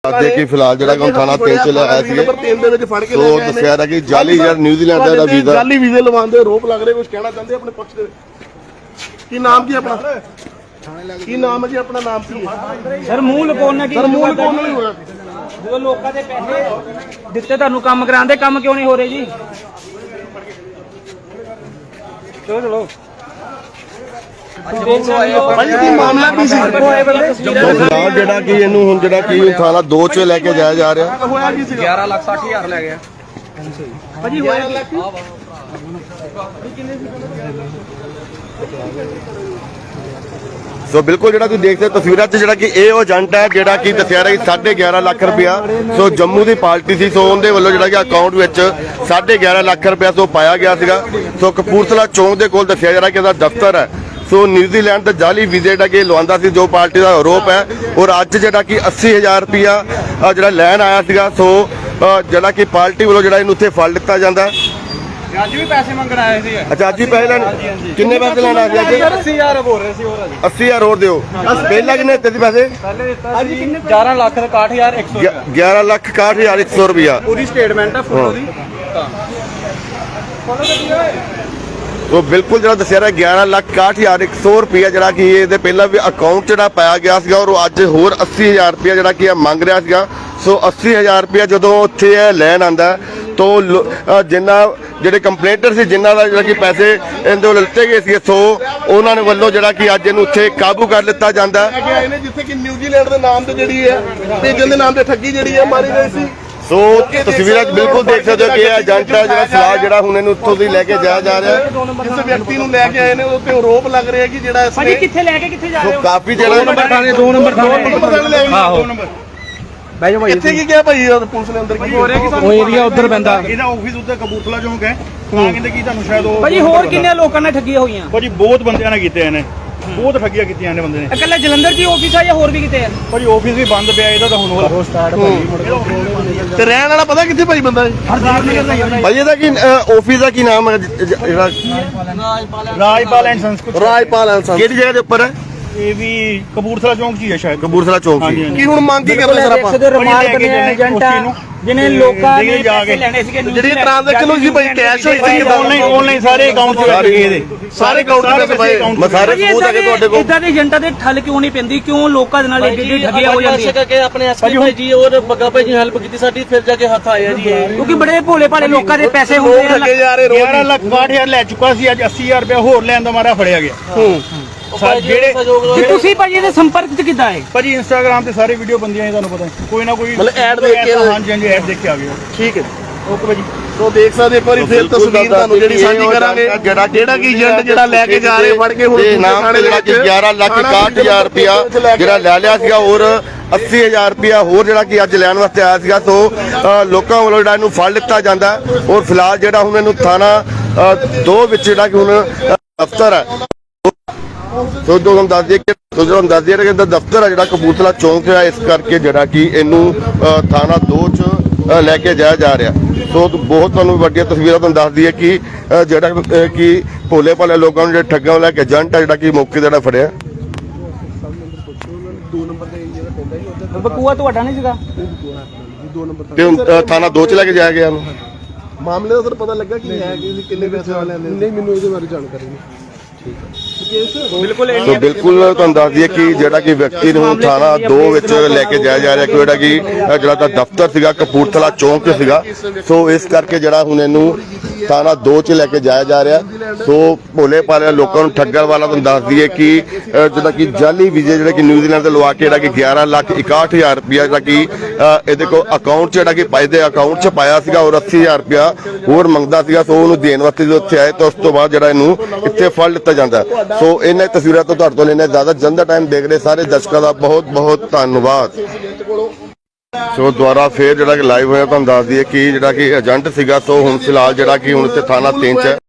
कि फिलहाल जो थाना 3 च लाया तो दसिया कि जाली यार न्यूजीलैंड का वीजा जाली वीजे लवाने आरोप लग रहे, कुछ कहना चाहते अपने पक्ष दे की नाम की अपना की नाम है जी अपना नाम की सर मूल लुकाउण की सर मूल कौन नहीं होया जो लोगों के पैसे दिते तुहानू काम करांदे काम क्यों नहीं हो रहे जी। चलो चलो मामला की सी फिलहाल ਜਿਹੜਾ ਕਿ ਇਹਨੂੰ ਹੁਣ ਜਿਹੜਾ ਕਿ थाना 2 ਚ ਲੈ ਕੇ ਜਾਇਆ ਜਾ ਰਿਹਾ होया की सी 11,60,000 ਲੈ ਗਿਆ ਭਾਜੀ ਹੋਇਆ ਸੋ ਬਿਲਕੁਲ ਜਿਹੜਾ ਤੁਸੀਂ ਦੇਖਦੇ ਤਸਵੀਰਾਂ 'ਚ ਜਿਹੜਾ ਕਿ ਇਹ ਉਹ ਏਜੰਟ ਹੈ ਜਿਹੜਾ ਕਿ ਦੱਸਿਆ ਰਿਹਾ ਕਿ 11.5 ਲੱਖ ਰੁਪਇਆ ਸੋ ਜੰਮੂ ਦੀ ਪਾਰਟੀ ਸੀ, ਸੋ ਉਹਦੇ ਵੱਲੋਂ ਜਿਹੜਾ ਕਿ ਅਕਾਊਂਟ ਵਿੱਚ 11.5 ਲੱਖ ਰੁਪਇਆ ਸੋ ਪਾਇਆ ਗਿਆ ਸੀਗਾ। ਸੋ ਕਪੂਰਥਲਾ ਚੌਂਕ ਦੇ ਕੋਲ ਦੱਸਿਆ ਜਾ ਰਿਹਾ ਕਿ ਇਹਦਾ ਦਫ਼ਤਰ ਹੈ। ਸੋ ਨਿਊਜ਼ੀਲੈਂਡ ਦਾ ਜਾਲੀ ਵੀਜ਼ੇ ਜਿਹੜਾ ਕਿ ਲਵਾਉਂਦਾ ਸੀ ਜੋ ਪਾਰਟੀ ਦਾ ਆਰੋਪ ਹੈ, ਔਰ ਅੱਜ ਜਿਹੜਾ ਕਿ 80,000 ਰੁਪਇਆ ਜਿਹੜਾ ਲੈਣ ਆਇਆ ਸੀਗਾ। ਸੋ ਜਿਹੜਾ ਕਿ ਪਾਰਟੀ ਵੱਲੋਂ ਜਿਹੜਾ ਇਹਨੂੰ ਉੱਥੇ ਫੜ ਲਿੱਤਾ ਜਾਂਦਾ। ਅੱਜ ਵੀ ਪੈਸੇ ਮੰਗਣ ਆਏ ਸੀ। ਅੱਛਾ ਅੱਜ ਹੀ ਪੈਸੇ ਲੈਣ ਕਿੰਨੇ ਪੈਸੇ ਲੈਣ ਆ ਗਏ? 80,000 ਬੋਲ ਰਹੇ ਸੀ ਹੋਰ 80,000 ਹੋਰ ਦਿਓ। ਪਹਿਲਾਂ ਕਿੰਨੇ ਦਿੱਤੇ ਸੀ ਪੈਸੇ? ਪਹਿਲੇ ਦਿੱਤਾ ਸੀ 11,61,100 11,61,100 ਰੁਪਇਆ। ਪੂਰੀ ਸਟੇਟਮੈਂਟ ਹੈ ਫੋਟੋ ਦੀ। तो बिल्कुल जो दसिया रहा 11,61,100 रुपया जरा कि ये पहला भी अकाउंट जो पाया गया सीगा और अज होर 80,000 रुपया जरा कि मंग रहा सीगा। सो 80,000 रुपया जो उत्थे लैन आंदा तो जिन्ना ਜਿਹੜੇ ਕੰਪਲੇਂਟਰ ਸੀ ਜਿਨ੍ਹਾਂ ਦਾ ਜਿਹੜਾ ਕਿ ਪੈਸੇ ਇਹਦੇ ਵੱਲੋਂ ਲਿੱਤੇ ਗਏ ਸੀ, ਸੋ ਉਹਨਾਂ ਨੇ ਵੱਲੋਂ ਜਿਹੜਾ ਕਿ ਅੱਜ ਇਹਨੂੰ ਉੱਥੇ ਕਾਬੂ ਕਰ ਲਿੱਤਾ ਜਾਂਦਾ। ਜਿੱਥੇ ਕਿ ਨਿਊਜ਼ੀਲੈਂਡ ਦੇ ਨਾਮ ਤੇ ਜਿਹੜੀ ਹੈ ਭੇਜਣ ਦੇ ਨਾਮ ਤੇ ਠੱਗੀ ਜਿਹੜੀ ਹੈ ਮਾਰੀ ਗਈ ਸੀ। ਸੋ ਤਸਵੀਰਾਂ 'ਚ ਬਿਲਕੁਲ ਦੇਖ ਸਕਦੇ ਹੋ ਕਿ ਇਹ ਏਜੰਟ ਹੈ ਜਿਹੜਾ ਫਿਲਹਾਲ ਜਿਹੜਾ ਹੁਣ ਇਹਨੂੰ ਉੱਥੋਂ ਦੀ ਲੈ ਕੇ ਜਾਇਆ ਜਾ ਰਿਹਾ ਹੈ। ਜਿਸ ਵਿਅਕਤੀ ਨੂੰ ਲੈ ਕੇ ਆਏ ਨੇ ਉਹਦੇ ਉੱਤੇ ਆਰੋਪ ਲੱਗ ਰਿਹਾ ਕਿ ਜਿਹੜਾ ਭਾਜੀ ਕਿੱਥੇ ਲੈ ਕੇ ਕਿੱਥੇ ਜਾ ਰਹੇ ਸੋ ਹੋ? ਕਾਫੀ ਜਿਹੜਾ 2 ਨੰਬਰ ਥਾਣੇ ਆਹੋ ਬਹਿ ਜਾਓ ਭਾਈ। ਇੱਥੇ ਕੀ ਕਿਹਾ ਭਾਈ ਪੁਲਿਸ ਨੇ ਅੰਦਰ ਕੀ ਹੋ ਰਿਹਾ ਕਿ ਉਹ ਏਰੀਆ ਉਧਰ ਪੈਂਦਾ। ਇਹਦਾ ਆਫਿਸ ਉੱਤੇ ਕਬੂਤਲਾ ਚੌਂਕ ਹੈ ਤਾਂ ਕਹਿੰਦੇ ਕੀ ਤੁਹਾਨੂੰ ਸ਼ਾਇਦ ਉਹ ਭਾਜੀ ਹੋਰ ਕਿੰਨੇ ਲੋਕਾਂ ਨੇ ਠੱਗੀਆਂ ਹੋਈਆਂ? ਭਾਜੀ ਬਹੁਤ ਬੰਦਿਆਂ ਨੇ ਕੀਤੇ ਨੇ, ਬਹੁਤ ਠੱਗੀਆਂ ਕੀਤੀਆਂ ਨੇ ਬੰਦੇ ਨੇ। ਇਕੱਲੇ ਜਲੰਧਰ ਜੀ ਆਫਿਸ ਆ ਜਾਂ ਹੋਰ ਵੀ ਕਿਤੇ ਆ? ਭਾਜੀ ਆਫਿਸ ਵੀ ਬੰਦ ਪਿਆ ਇਹਦਾ ਤਾਂ ਹੁਣ ਹੋਰ ਸਟਾਰਟ ਤੇ ਰਹਿਣ ਵਾਲਾ ਪਤਾ ਕਿੱਥੇ ਭਾਈ ਬੰਦਾ ਭਾਈ ਇਹਦਾ ਕੀ ਆਫਿਸ ਦਾ ਕੀ ਨਾਮ ਹੈ ਜਿਹੜਾ? ਰਾਜਪਾਲ ਐਂਡ ਸੰਸਕ੍ਰਿਤ ਰਾਜਪਾਲ ਐਂਡ ਕਿਹੜੀ ਜਗ੍ਹਾ ਦੇ ਉੱਪਰ ਹੈ? ਇਹ ਵੀ ਕਪੂਰਥਲਾ ਚੌਂਕ 'ਚ ਹੀ ਹੈ ਸ਼ਾਇਦ। ਕਪੂਰਥਲਾ ਚੌਂਕ ਹਾਂਜੀ, ਸੀ। ਹਾਂਜੀ। ਕੀ ਹੁਣ ਮੰਗ ਕੀ ਕਰਦੇ ਸਰ ਆਪਾਂ ਰਮਾਲ ਬਣੇ ਏਜੰਟ ਜਿਹਨੇ ਲੋਕਾਂ ਨੇ ਜਾ ਕੇ ਪੈਸੇ ਲੈਣੇ ਸੀਗੇ ਜਿਹੜੀ ਟ੍ਰਾਂਜੈਕਸ਼ਨ ਹੋਈ ਸੀ ਭਾਈ ਕੈਸ਼ ਹੋਈ ਸੀ ਆਨਲਾਈਨ ਸਾਰੇ ਅਕਾਊਂਟ 'ਚ ਲੱਗੇ ਇਹਦੇ ਸਾਰੇ ਅਕਾਊਂਟ ਦੇ ਭਾਈ ਮੈਂ ਸਾਰੇ ਸਬੂਤ ਹੈਗੇ ਤੁਹਾਡੇ ਕੋਲ। ਇਦਾਂ ਦੇ ਏਜੰਟਾਂ ਦੇ ਠੱਲ ਕਿਉਂ ਨਹੀਂ ਪੈਂਦੀ? ਕਿਉਂ ਲੋਕਾਂ ਦੇ ਨਾਲ ਏਡੀ ਠੱਗੀਆਂ ਹੋ ਜਾਂਦੀਆਂ? ਕਰਕੇ ਆਪਣੇ ਐਸਪੀ ਜੀ ਔਰ ਬੱਗਾ ਭਾਈ ਜੀ ਹੈਲਪ ਕੀਤੀ ਸਾਡੀ, ਫਿਰ ਜਾ ਕੇ ਹੱਥ ਆਇਆ ਜੀ ਇਹ। ਕਿਉਂਕਿ ਬੜੇ ਭੋਲੇ ਭਾਲੇ ਲੋਕਾਂ ਦੇ ਪੈਸੇ ਹੁੰਦੇ ਆ। ਲੱਗੇ ਜਾ ਰਹੇ ਰੋਜ਼ 11,62,000 ਲੈ ਚੁੱਕਾ ਸੀ, ਅੱਜ 80,000 ਰੁਪਇਆ ਹੋਰ ਲੈਣ ਦਾ ਮਾਰਾ ਫੜਿਆ ਗਿਆ। ਤੇ ਤੁਸੀਂ ਭਾਜੀ ਇਹਦੇ ਸੰਪਰਕ 'ਚ ਕਿੱਦਾਂ ਆਏ? ਭਾਜੀ ਇੰਸਟਾਗ੍ਰਾਮ ਤੇ ਸਾਰੇ ਵੀਡੀਓ ਬੰਦੀਆਂ ਨੇ, ਤੁਹਾਨੂੰ ਪਤਾ ਕੋਈ ਨਾ ਕੋਈ ਮਤਲਬ ਐਡ ਦੇਖ ਕੇ ਹਾਂਜੀ ਹਾਂਜੀ ਐਡ ਦੇਖ ਕੇ ਆ ਗਏ। ਠੀਕ ਹੈ ਓਕੇ ਭਾਜੀ। ਸੋ ਦੇਖ ਸਕਦੇ ਇੱਕ ਵਾਰੀ ਫਿਰ ਤਸਵੀਰ ਤੁਹਾਨੂੰ ਜਿਹੜੀ ਸਾਂਝੀ ਕਰਾਂਗੇ ਜਿਹੜਾ ਕਿ ਏਜੰਟ ਜਿਹੜਾ ਲੈ ਕੇ ਜਾ ਰਹੇ ਫੜ ਕੇ ਹੁਣ ਨਾਮ ਤੇ ਜਿਹੜਾ ਕਿ 11,61,000 ਰੁਪਇਆ ਜਿਹੜਾ ਲੈ ਲਿਆ ਸੀਗਾ ਔਰ 80,000 ਰੁਪਇਆ ਹੋਰ ਜਿਹੜਾ ਕਿ ਅੱਜ ਲੈਣ ਵਾਸਤੇ ਆਇਆ ਸੀਗਾ। ਸੋ ਲੋਕਾਂ ਵੱਲੋਂ ਜਿਹੜਾ ਇਹਨੂੰ ਫੜ ਲਿੱਤਾ ਜਾਂਦਾ ਔਰ ਫਿਲਹਾਲ ਜਿਹੜਾ ਹੁਣ ਇਹਨੂੰ ਥਾਣਾ 2 ਵਿੱਚ ਜਿਹੜਾ ਕਿ ਹੁਣ ਦਫ਼ਤਰ ਹੈ। ਸੋ ਤੁਹਾਨੂੰ ਦੱਸ ਦਈਏ ਕਿ ਦਫ਼ਤਰ ਹੈ ਜਿਹੜਾ ਕਪੂਰਥਲਾ ਚੌਂਕ ਹੈ, ਇਸ ਕਰਕੇ ਜਿਹੜਾ ਕਿ ਇਹਨੂੰ ਥਾਣਾ 2 ਚ ਲੈ ਕੇ ਜਾਇਆ ਜਾ ਰਿਹਾ। ਸੋ ਬਹੁਤ ਤੁਹਾਨੂੰ ਵੱਡੀਆਂ ਤਸਵੀਰਾਂ ਤੁਹਾਨੂੰ ਦੱਸ ਦਈਏ ਕਿ ਜਿਹੜਾ ਕਿ ਭੋਲੇ ਭਾਲੇ ਲੋਕਾਂ ਨੂੰ ਜਿਹੜੇ ਠੱਗਾਂ ਲੈ ਕੇ ਏਜੰਟ ਹੈ ਜਿਹੜਾ ਕਿ ਮੌਕੇ ਤੇ ਜਿਹੜਾ ਫੜਿਆ। ਬਕੂਆ ਤੁਹਾਡਾ ਨਹੀਂ ਸੀਗਾ? ਤੇ ਥਾਣਾ 2 ਚ ਲੈ ਕੇ ਜਾਇਆ ਗਿਆ ਉਹਨੂੰ। ਮਾਮਲੇ ਦਾ ਸਰ ਪਤਾ ਲੱਗਾ ਕਿ ਹੈ ਕਿ ਕਿੰਨੇ ਪੈਸੇ ਵਾਲੇ ਨੇ? ਨਹੀਂ ਮੈਨੂੰ ਇਹਦੇ ਬਾਰੇ ਜਾਣਕਾਰੀ ਨਹੀਂ। ਬਿਲਕੁਲ ਸੋ ਬਿਲਕੁਲ ਤੁਹਾਨੂੰ ਦੱਸ ਦਈਏ ਕਿ ਜਿਹੜਾ ਕਿ ਵਿਅਕਤੀ ਨੂੰ ਥਾਣਾ 2 ਵਿੱਚ ਲੈ ਕੇ ਜਾਇਆ ਜਾ ਰਿਹਾ ਕਿ ਜਿਹੜਾ ਕਿ ਜਿਹੜਾ ਤਾਂ ਦਫ਼ਤਰ ਸੀਗਾ ਕਪੂਰਥਲਾ ਚੌਂਕ 'ਚ ਸੀਗਾ। ਸੋ ਇਸ ਕਰਕੇ ਜਿਹੜਾ ਹੁਣ ਇਹਨੂੰ ਥਾਣਾ 2 ਚ ਲੈ ਕੇ ਜਾਇਆ ਜਾ ਰਿਹਾ। ਸੋ ਭੋਲੇ ਭਾਲੇ ਲੋਕਾਂ ਨੂੰ ਠੱਗਣ ਵਾਲਾ ਤੁਹਾਨੂੰ ਦੱਸ ਦਈਏ ਕਿ ਜਿਹੜਾ ਕਿ ਜਾਲੀ ਵੀਜ਼ੇ ਜਿਹੜੇ ਕਿ ਨਿਊਜ਼ੀਲੈਂਡ ਤੋਂ ਲਵਾ ਕੇ ਜਿਹੜਾ ਕਿ 11,61,000 ਰੁਪਇਆ ਜਿਹੜਾ ਕਿ ਇਹਦੇ ਕੋਲ ਅਕਾਊਂਟ 'ਚ ਜਿਹੜਾ ਕਿ ਪਾਇਦੇ ਅਕਾਊਂਟ 'ਚ ਪਾਇਆ ਸੀਗਾ ਔਰ 80,000 ਰੁਪਇਆ ਹੋਰ ਮੰਗਦਾ ਸੀਗਾ। ਸੋ ਉਹਨੂੰ ਦੇਣ ਵਾਸਤੇ ਜਦੋਂ ਉੱਥੇ ਆਏ ਤਾਂ ਉਸ ਤੋਂ ਬਾਅਦ ਜਿਹੜਾ ਇਹਨੂੰ ਇੱਥੇ ਫੜ ਲਿੱਤਾ ਜਾਂਦਾ। ਸੋ ਇਹਨਾਂ ਤਸਵੀਰਾਂ ਤੋਂ ਤੁਹਾਡੇ ਤੋਂ ਲੈਣੇ ਜ਼ਿਆਦਾ ਜਨਤਾ ਟਾਈਮ ਦੇਖ ਰਹੇ ਸਾਰੇ ਦਰਸ਼ਕਾਂ ਦਾ ਬਹੁਤ ਬਹੁਤ ਧੰਨਵਾਦ। ਸੋ ਦੁਆਰਾ ਫੇਰ ਜਿਹੜਾ ਕਿ ਲਾਈਵ ਹੋਇਆ ਤੁਹਾਨੂੰ ਦੱਸ ਦਈਏ ਕਿ ਜਿਹੜਾ ਕਿ ਏਜੰਟ ਸੀਗਾ। ਸੋ ਹੁਣ ਫਿਲਹਾਲ ਜਿਹੜਾ ਕਿ ਹੁਣ ਇੱਥੇ ਥਾਣਾ 3 ਚ ਹੈ।